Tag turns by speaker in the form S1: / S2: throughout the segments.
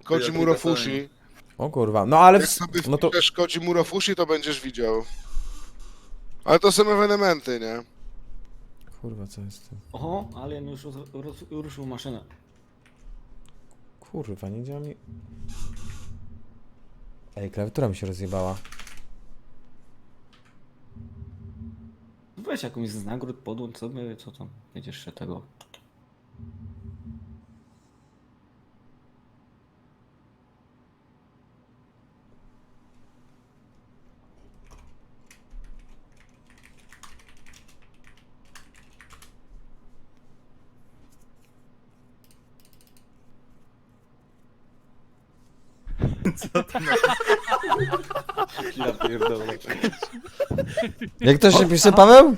S1: Koji Murofushi.
S2: O kurwa, no ale...
S1: Jak sobie
S2: No to...
S1: wpiszesz Koji Murofushi, to będziesz widział. Ale to są ewenementy, nie?
S2: Kurwa, co jest tu?
S3: Oho, Alien już ruszył maszynę.
S2: Kurwa, nie działa mi... Ej, klawiatura mi się rozjebała.
S3: Weź jakąś z nagród, podłącz sobie, co tam, będziesz się tego... Ja pierdolę.
S2: Jak to się pisze, Paweł?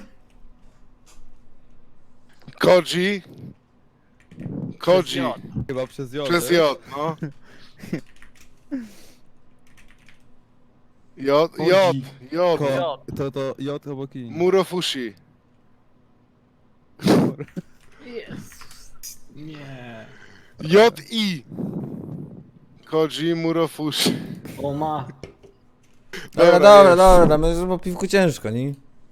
S1: Koji. Koji.
S4: Chyba przez J.
S1: Przez J, no. J.
S4: To J obok I.
S1: Murofushi.
S3: Nie.
S1: J-I. Koji Murofushi.
S3: O ma.
S2: Dobra, my po piwku ciężko, nie?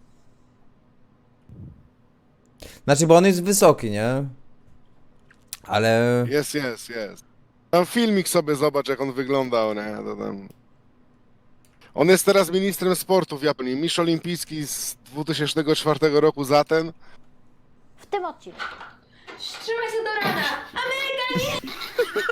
S2: Znaczy, bo on jest wysoki, nie? Ale...
S1: Jest. Tam filmik sobie zobacz, jak on wyglądał, nie? To tam... On jest teraz ministrem sportu w Japonii. Mistrz olimpijski z 2004 roku za ten.
S5: W tym odcinku.
S6: Wstrzymaj się do rana! Ameryka nie!